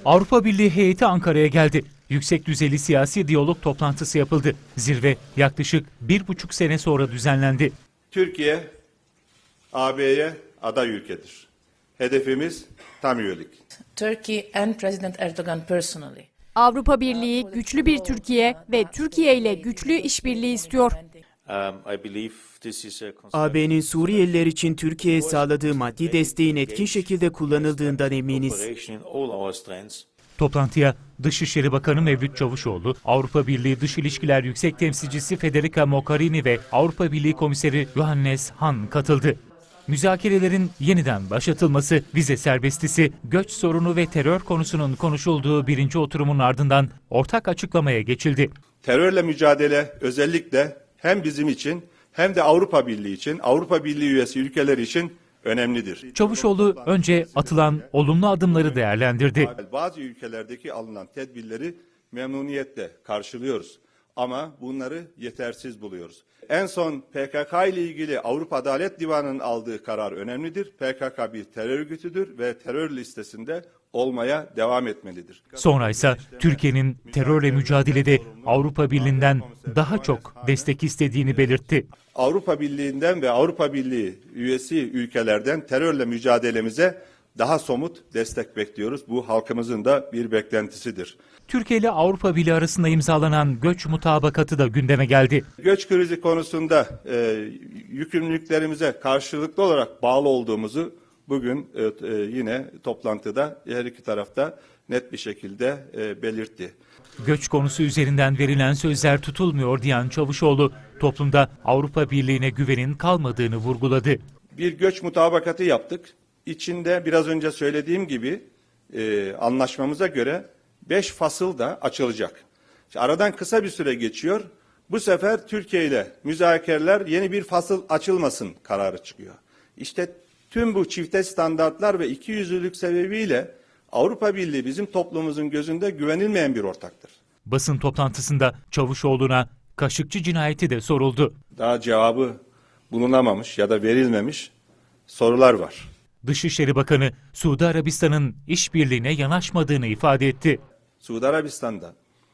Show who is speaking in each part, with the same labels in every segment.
Speaker 1: Avrupa Birliği heyeti Ankara'ya geldi. Yüksek düzeyli siyasi diyalog toplantısı yapıldı. Zirve yaklaşık 1,5 sene sonra düzenlendi.
Speaker 2: Türkiye, AB'ye aday ülkedir. Hedefimiz tam üyelik.
Speaker 3: Turkey and President Erdogan personally.
Speaker 4: Avrupa Birliği güçlü bir Türkiye ve Türkiye ile güçlü işbirliği istiyor.
Speaker 5: AB'nin Suriyeliler için Türkiye'ye sağladığı maddi desteğin etkin şekilde kullanıldığından eminiz.
Speaker 1: Toplantıya Dışişleri Bakanı Mevlüt Çavuşoğlu, Avrupa Birliği Dış İlişkiler Yüksek Temsilcisi Federica Mogherini ve Avrupa Birliği Komiseri Johannes Hahn katıldı. Müzakerelerin yeniden başlatılması, vize serbestisi, göç sorunu ve terör konusunun konuşulduğu birinci oturumun ardından ortak açıklamaya geçildi.
Speaker 2: Terörle mücadele özellikle hem bizim için hem de Avrupa Birliği için, Avrupa Birliği üyesi ülkeler için önemlidir.
Speaker 1: Çavuşoğlu önce atılan olumlu adımları değerlendirdi.
Speaker 2: Bazı ülkelerdeki alınan tedbirleri memnuniyetle karşılıyoruz ama bunları yetersiz buluyoruz. En son PKK ile ilgili Avrupa Adalet Divanı'nın aldığı karar önemlidir. PKK bir terör örgütüdür ve terör listesinde olmaya devam etmelidir.
Speaker 1: Sonra ise Türkiye'nin terörle mücadelede Avrupa Birliği'nden daha çok destek istediğini belirtti.
Speaker 2: Avrupa Birliği'nden ve Avrupa Birliği üyesi ülkelerden terörle mücadelemize daha somut destek bekliyoruz. Bu halkımızın da bir beklentisidir.
Speaker 1: Türkiye ile Avrupa Birliği arasında imzalanan göç mutabakatı da gündeme geldi.
Speaker 2: Göç krizi konusunda yükümlülüklerimize karşılıklı olarak bağlı olduğumuzu bugün yine toplantıda her iki tarafta net bir şekilde belirtti.
Speaker 1: Göç konusu üzerinden verilen sözler tutulmuyor diyen Çavuşoğlu, toplumda Avrupa Birliği'ne güvenin kalmadığını vurguladı.
Speaker 2: Bir göç mutabakatı yaptık. İçinde biraz önce söylediğim gibi anlaşmamıza göre 5 fasıl da açılacak. İşte aradan kısa bir süre geçiyor. Bu sefer Türkiye ile müzakereler yeni bir fasıl açılmasın kararı çıkıyor. İşte tüm bu çifte standartlar ve ikiyüzlülük sebebiyle Avrupa Birliği bizim toplumumuzun gözünde güvenilmeyen bir ortaktır.
Speaker 1: Basın toplantısında Çavuşoğlu'na Kaşıkçı cinayeti de soruldu.
Speaker 2: Daha cevabı bulunamamış ya da verilmemiş sorular var.
Speaker 1: Dışişleri Bakanı Suudi Arabistan'ın işbirliğine yanaşmadığını ifade etti.
Speaker 2: Suudi Arabistan'da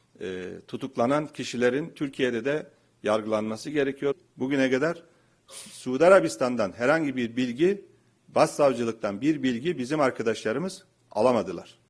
Speaker 2: tutuklanan kişilerin Türkiye'de de yargılanması gerekiyor. Bugüne kadar Suudi Arabistan'dan herhangi bir bilgi, başsavcılıktan bir bilgi bizim arkadaşlarımız alamadılar.